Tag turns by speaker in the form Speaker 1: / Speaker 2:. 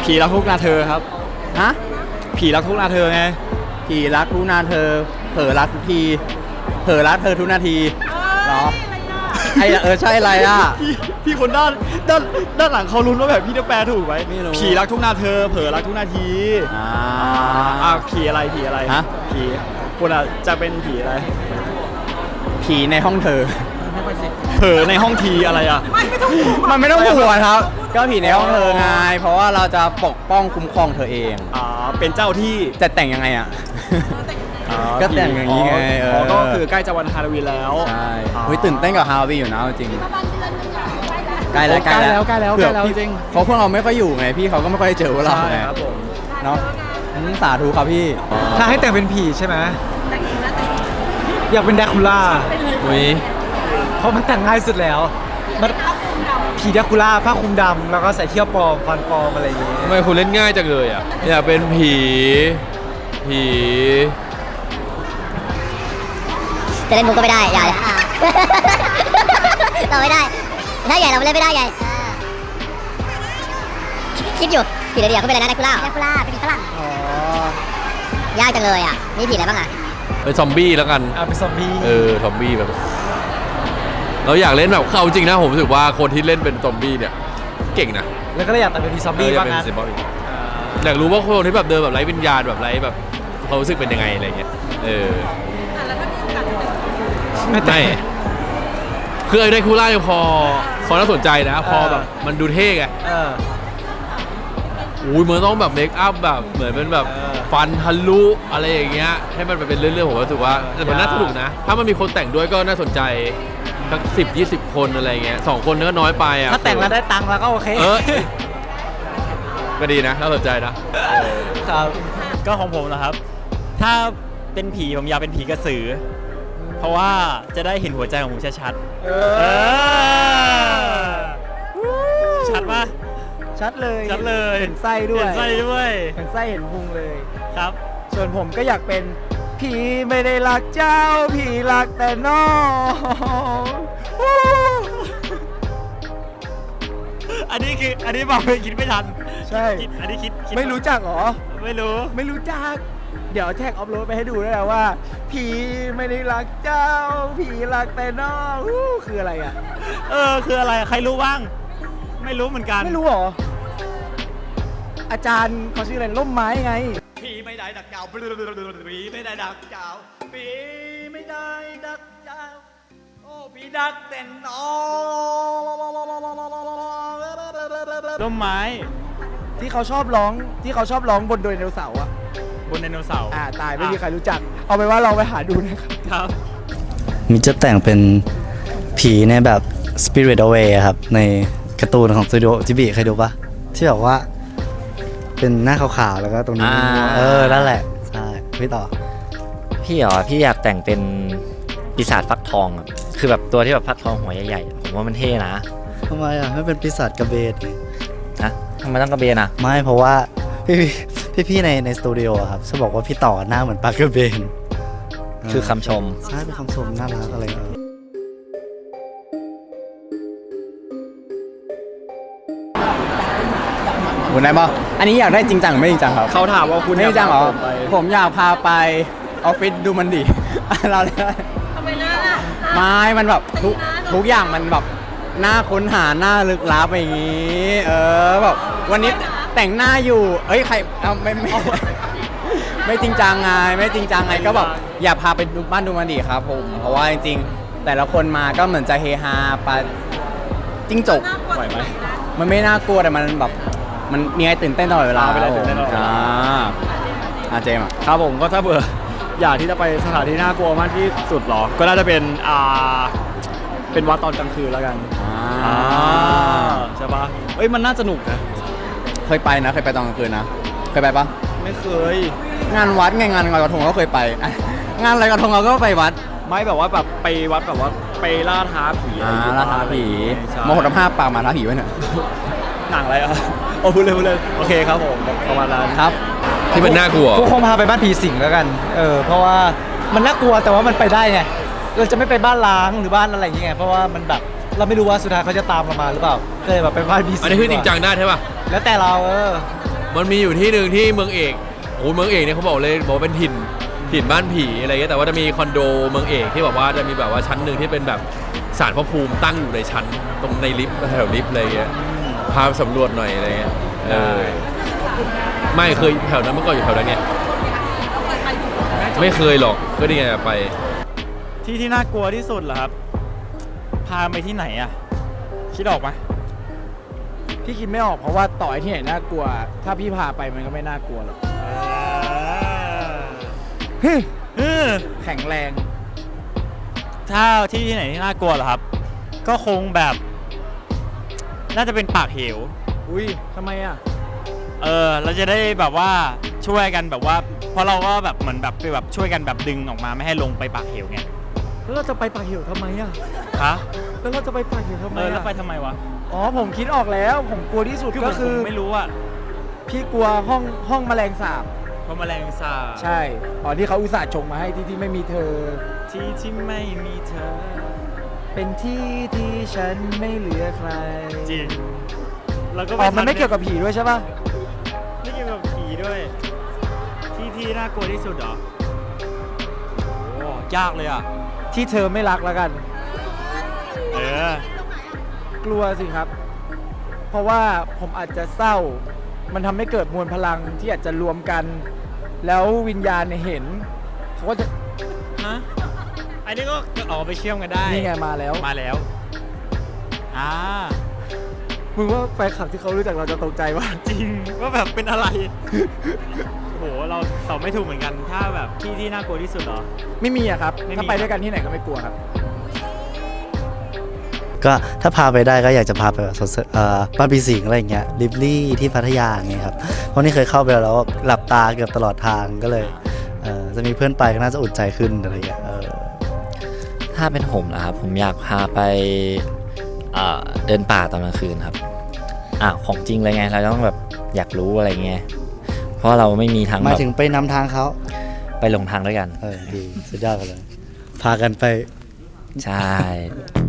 Speaker 1: ผีรักทุกนาเธอครับ
Speaker 2: ฮะ
Speaker 1: ผีรักทุกนาเธอไง
Speaker 2: ผีรักทุกนาเธอเผลอรักทุกทีเผลอรักเธอทุกนาทีเหรอไอ้ใช่อะไรอ่ะ
Speaker 1: พี่คนด้านหลังเขาลุ้นว่าแบบพี่จะแปลถูกไหม
Speaker 2: ไม่รู้
Speaker 1: ผีรักทุกนาเธอเผลอรักทุกนาทีผีอะไร
Speaker 2: ฮะ
Speaker 1: ผีคุณอ่ะจะเป็นผีอะไร
Speaker 2: ผีในห้องเธอ
Speaker 1: เผลอในห้องทีอะไรอ่ะ
Speaker 2: มันไม่ต้องหัวครับก็ผีในห้องเธอไงเพราะว่าเราจะปกป้องคุ้มครองเธอเอง
Speaker 1: เป็นเจ้าที่
Speaker 2: จะแต่งยังไงอ่ะก็แต่งอย่างนี้ไง
Speaker 1: ก็คือใกล้จะวันฮาโลวีนแล้ว
Speaker 2: ใช่ตื่นเต้นกับฮาโลวีนอยู่นะจริงใกล้แล้วจริงเพราะพวกเราไม่ค่อยอยู่ไงพี่เขาก็ไม่ค่อยเจอพวกเราไง
Speaker 1: ครับผม
Speaker 2: เนาะสาธุครับพี่
Speaker 3: ถ้าให้แต่งเป็นผีใช่ไหมอยากเป็นแดคูล่าเพราะมันแต่งง่ายสุดแล้วมันผีแดคูล่าผ้าคลุมดำแล้วก็ใส่เขี้ยวปลอมฟันปลอมอะไรอย่างเงี้ย
Speaker 4: ทำไมคุณเล่นง่ายจังเลยอ่ะอยากเป็นผี
Speaker 5: จะเล่นมุกก็ไม่ได้อย่าเราไม่ได้ถ้าใหญ่เราเล่นไม่ได้ไงคิดอยู่ผีอะไรเดียวเขาเป็นอะไรนะแดคูล่าเป็นผีฝรั่งยากจังเลยอ่ะมีผีอะไรบ้างอ่ะ
Speaker 4: เป็นซอมบี้แล้วกัน
Speaker 3: เป็นซอมบี้
Speaker 4: ซอมบี้แบบเราอยากเล่นแบบเข้าจริงนะผมรู้สึกว่าคนที่เล่นเป็นซอมบี้เนี่ยเก่งนะ
Speaker 3: แล้วก็เลยอยากแต่งเป็นผีซอมบี้บ้างนะ
Speaker 4: อยากรู้ว่าคนที่แบบเดินแบบไร้วิญญาณแบบไร้แบบเขารู้สึกเป็นยังไงอะไรเงี้ยไม่คือไอ้ไดคูล่ายังพอน่าสนใจนะพอแบบมันดูเท่ไงมันต้องแบบเมคอัพแบบเหมือนเป็นแบบฟันทะลุอะไรอย่างเงี้ยให้มันเป็นเรื่องผมรู้สึกว่ามันน่าสนุกนะถ้ามันมีคนแต่งด้วยก็น่าสนใจสัก10-20 คนอะไรเงี้ย2 คนก็น้อยไปอ่ะ
Speaker 3: ถ้าแต่งแล้วได้ตังค์แล้วก็โอเค
Speaker 4: ก็ดีนะน่าสนใจ
Speaker 1: นะครับก็ของผมนะครับถ้าเป็นผีผมอยากเป็นผีกระสือเพราะว่าจะได้เห็นหัวใจของผมชัดชัดปะ
Speaker 3: ชัดเลย
Speaker 1: เห็
Speaker 3: นไส้ด้วย
Speaker 1: เห็นไส้
Speaker 3: เห็นพุงเลย
Speaker 1: ครับ
Speaker 3: ส่วนผมก็อยากเป็นผีไม่ได้รักเจ้าผีรักแต่น้อง
Speaker 1: อันนี้บอกไปคิดไม่ทัน
Speaker 3: ใช่
Speaker 1: อันนี้คิด
Speaker 3: ไม่รู้จักหรอ
Speaker 1: ไม่
Speaker 3: รู้จักเดี๋ยวแท็กอัพโหลดไปให้ดูได้แล้วว่าผีไม่ได้รักเจ้าผีรักแต่น้องคืออะไรอ่ะ
Speaker 1: คืออะไรใครรู้บ้างไม่รู้เหมือนกัน
Speaker 3: ไม่รู้หรออาจารย์เขาชื่ออะไรร่มไม้ไง
Speaker 1: ผีไม่ได้ดักเจ้าผีไม่ได้ดักเจ้าผีไม่ได้ดักเจ้าโอ้ผีดักแต่น้องร่มไม้
Speaker 3: ที่เขาชอบร้องบนไดโนเสาร์อ่ะ
Speaker 1: บนไดโนเสาร์
Speaker 3: ตายไม่มีใครรู้จักเอาไปว่าลองไปหาดูนะครับ
Speaker 6: มิจะแต่งเป็นผีในแบบ Spirit Away ครับในการ์ตูนของสตูดิโอจิบิเคยดูปะที่แบบว่าเป็นหน้าขาวๆแล้วก็ตรงนี้นั่นแหละใช่พี่ต่อ
Speaker 7: พี่อยากแต่งเป็นปีศาจฟักทองคือแบบตัวที่แบบฟักทองหัวใหญ่ๆผมว่ามันเท่นะ
Speaker 6: ทำไมไม่เป็นปีศาจกระเบน
Speaker 7: นะทำไมต้องกระเบน
Speaker 6: ไม่เพราะว่าพี่ในสตูดิโอครับจะบอกว่าพี่ต่อหน้าเหมือนปลากระเบน
Speaker 7: คือคำชม
Speaker 6: ใช่เป็นคำชมน่ารักอะไร
Speaker 2: คุณได้ป่ะอันนี้อยากได้จริงจังไม่จริงจังครับ
Speaker 1: เขาถามว่าคุณ
Speaker 2: ไม่จริงจังเหรอผมอยากพาไปออฟฟิศดูมันดิเราเลย
Speaker 5: ทำไมน่าล่ะ
Speaker 2: ไม่มันแบบทุกอย่างมันแบบน่าค้นหาหน้าลึกลับอย่างนี้แบบวันนี้แต่งหน้าอยู่ใครไม่จริงจังไงก็แบบอยากพาไปดูบ้านดูมันดิครับผมเพราะว่าจริงๆแต่ละคนมาก็เหมือนจะเฮฮาปะจิ้งจก
Speaker 1: ไหวไหม
Speaker 2: มันไม่น่ากลัวแต่มันแบบมันมีอะไรตื่นเต้นตลอดเวลา
Speaker 1: ตื่นเต้นตลอดเวลา
Speaker 2: เจมส์
Speaker 1: ครับผมก็ถ้าเบื่ออยากที่จะไปสถานที่น่ากลัวมากที่สุดหรอก็น่าจะเป็นวัดตอนกลางคืนแล้วกันใช่ปะมันน่าสนุกนะ
Speaker 2: เคยไปตอนกลางคืนนะเคยไปปะ
Speaker 1: ไม่เคย
Speaker 2: งานวัดไงงานลอยกระทงก็เคยไปงานลอยกระทงเราก็ไปวัด
Speaker 1: ไม่แบบว่าแบบไปวัดแบบว่าไปล่าท้าผี
Speaker 2: ล่าท้าผีมโหฬารปากมาท้าผีไว้หน่อย
Speaker 1: หนังอะไรพูดเลยโอเคครับผมประมาณนั้น
Speaker 2: ครับ
Speaker 4: ที่มันน่ากลัว
Speaker 3: คงพาไปบ้านผีสิงแล้วกันเพราะว่ามันน่ากลัวแต่ว่ามันไปได้ไงเราจะไม่ไปบ้านล้างหรือบ้านอะไรอย่างเงี้ยเพราะว่ามันแบบเราไม่รู้ว่าสุดท้ายเขาจะตามเรามาหรือเปล่าก็เลยแบบไปบ้านผีสิง
Speaker 4: อันนี้คือจริงจังได้ใช่ป่ะ
Speaker 3: แล้วแต่เรา
Speaker 4: มันมีอยู่ที่หนึ่งที่เมืองเอกโอ้เมืองเอกเนี่ยเขาบอกว่าเป็นถิ่นบ้านผีอะไรเงี้ยแต่ว่าจะมีคอนโดเมืองเอกที่แบบว่าจะมีแบบว่าชั้นหนึ่งที่เป็นแบบศาลพระภูมิตั้งอยู่ในชั้นตรงในลิฟต์แถวลิฟต์อะไรเงี้ยพาไปสำรวจหน่อยอะไรเงี้ยไม่เคยแถวนั้นเมื่อก่อนอยู่แถวนั้นเนี่ยไม่เคยหรอกก็นี่ไงไป
Speaker 1: ที่น่ากลัวที่สุดเหรอครับ พาไปที่ไหนอ่ะ คิดออกไหม
Speaker 3: พี่คิดไม่ออกเพราะว่าต่อให้ที่ไหนน่ากลัว ถ้าพี่พาไปมันก็ไม่น่ากลัวหรอกแข็งแรง
Speaker 1: ถ้าที่ไหนที่น่ากลัวเหรอครับ ก็คงแบบ น่าจะเป็นปากเหว
Speaker 3: อุ้ยทำไมอ่ะ
Speaker 1: เราจะได้แบบว่าช่วยกันแบบว่า เพราะเราก็แบบเหมือนแบบไปแบบช่วยกันแบบดึงออกมาไม่ให้ลงไปปากเหวไง
Speaker 3: แล้วเราจะไปปากเหวทำไมอ่ะ
Speaker 1: ฮะ
Speaker 3: แล้วเราจะไปปากเหวทำไม
Speaker 1: แล้ว
Speaker 3: อ่ะ
Speaker 1: ไปทำไมวะ
Speaker 3: อ๋อผมคิดออกแล้ว ผมกลัวที่สุดก็คือ
Speaker 1: ผมไม่รู้อ่ะ
Speaker 3: พี่กลัวห้องแมลงสาบ
Speaker 1: เพราะแมลงสาบ
Speaker 3: ใช่อ๋อที่เขาอุตส่าห์ชงมาให้ที่ไม่มีเธอ
Speaker 1: ที่ไม่มีเธอ
Speaker 3: เป็นที่ที่ฉันไม่เหลือใคร
Speaker 1: จริงแล้วก็
Speaker 3: อ๋อมันไม่เกี่ยวกับผีด้วยใช่ป่ะ
Speaker 1: ไม่เกี่ยวกับผีด้วย ที่น่ากลัวที่สุดเหรอโอ้ยากเลยอ่ะ
Speaker 3: ที่เธอไม่รักแล้วกัน กลัวสิครับ เพราะว่าผมอาจจะเศร้า มันทำให้เกิดมวลพลังที่อาจจะรวมกัน แล้ววิญญาณเนี่ยเห็นเขาก็จะ
Speaker 1: ฮะอันนี้ก็ออกไปเชื่อมกันได้
Speaker 3: นี่ไงมาแล้ว
Speaker 1: มาแล้วอ่า
Speaker 3: มึงว่าแฟนคลับที่เขารู้จักเราจะตกใจว่า
Speaker 1: จริงว่าแบบเป็นอะไร โหเราตอบไม่ถูกเหมือนกัน ถ้าแบบที่น่ากลัวที่สุดเหรอ
Speaker 3: ไม่มีอะครับ
Speaker 1: ไม่มี
Speaker 3: ถ้าไปด้วยกันที่ไหนก็ไม่กลัวครับ
Speaker 6: ก็ถ้าพาไปได้ก็อยากจะพาไปแบบบ้านปีสิงห์อะไรอย่างเงี้ยลิฟลี่ที่พัทยาอย่างเงี้ยครับเพราะนี่เคยเข้าไปแล้วหลับตาเกือบตลอดทางก็เลยจะมีเพื่อนไปก็น่าจะอุ่นใจขึ้นอะไรอย่างเงี้ย
Speaker 7: ถ้าเป็นผมนะครับผมอยากพาไปเดินป่าตอนกลางคืนครับของจริงเลยไงเราต้องแบบอยากรู้อะไรเงี้ยเพราะเราไม่มีทาง
Speaker 6: หมาย
Speaker 7: แบบ
Speaker 6: ถึงไปนำทางเขา
Speaker 7: ไปหลงทางด้วยกัน
Speaker 6: ดีสุดยอดกันเลย พากันไป
Speaker 7: ใช่